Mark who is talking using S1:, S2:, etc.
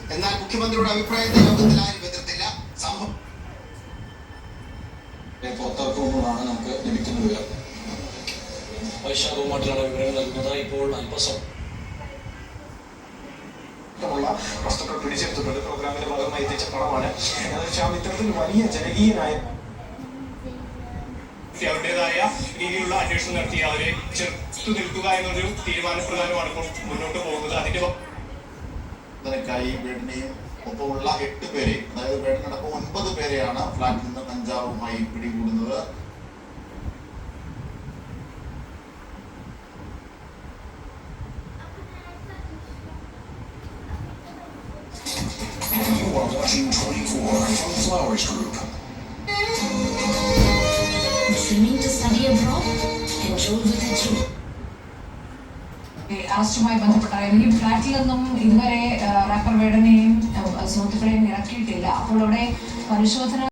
S1: എന്നാൽ മുഖ്യമന്ത്രിയുടെ അഭിപ്രായത്തെ യോഗത്തിൽ ആരും എതിർത്തില്ല. സംഭവം
S2: പുറത്തിറക്കുമ്പോഴാണ് നമുക്ക് ലഭിക്കുന്ന വിവരം. വൈശാഖവുമായിട്ടുള്ള വിവരങ്ങൾ നൽകുന്നത് ഇപ്പോൾ അല്പസം
S3: വസ്തുക്കൾ പിടിച്ചെടുത്തിട്ടുണ്ട്. പ്രോഗ്രാമിന്റെ ഭാഗമായി എത്തിച്ച പണമാണ്. ഇത്തരത്തിൽ വലിയ ജനകീയനായ അവരുടേതായ രീതിയിലുള്ള അന്വേഷണം നടത്തി അവരെ ചെറുത്തു നിൽക്കുക എന്നൊരു തീരുമാനപ്രകാരമാണ് ഇപ്പോൾ മുന്നോട്ട് പോകുന്നത്. അതിന്റെ
S1: ബേഡിനെയും ഒപ്പമുള്ള 8 പേരെ, അതായത് ബേഡിനടക്കം 9 പേരെയാണ് ഫ്ളാറ്റിൽ നിന്ന് കഞ്ചാവുമായി പിടികൂടുന്നത്.
S4: You are watching 24 from Flowers Group.
S5: Dreaming to study abroad? Enroll with a dream.
S6: അറസ്റ്റുമായി ബന്ധപ്പെട്ട ഈ ഫ്ലാറ്റിൽ നിന്നും ഇതുവരെ റാപ്പർ വേടനെയും സുഹൃത്തുക്കളെയും ഇറക്കിയിട്ടില്ല. അപ്പോൾ അവിടെ പരിശോധന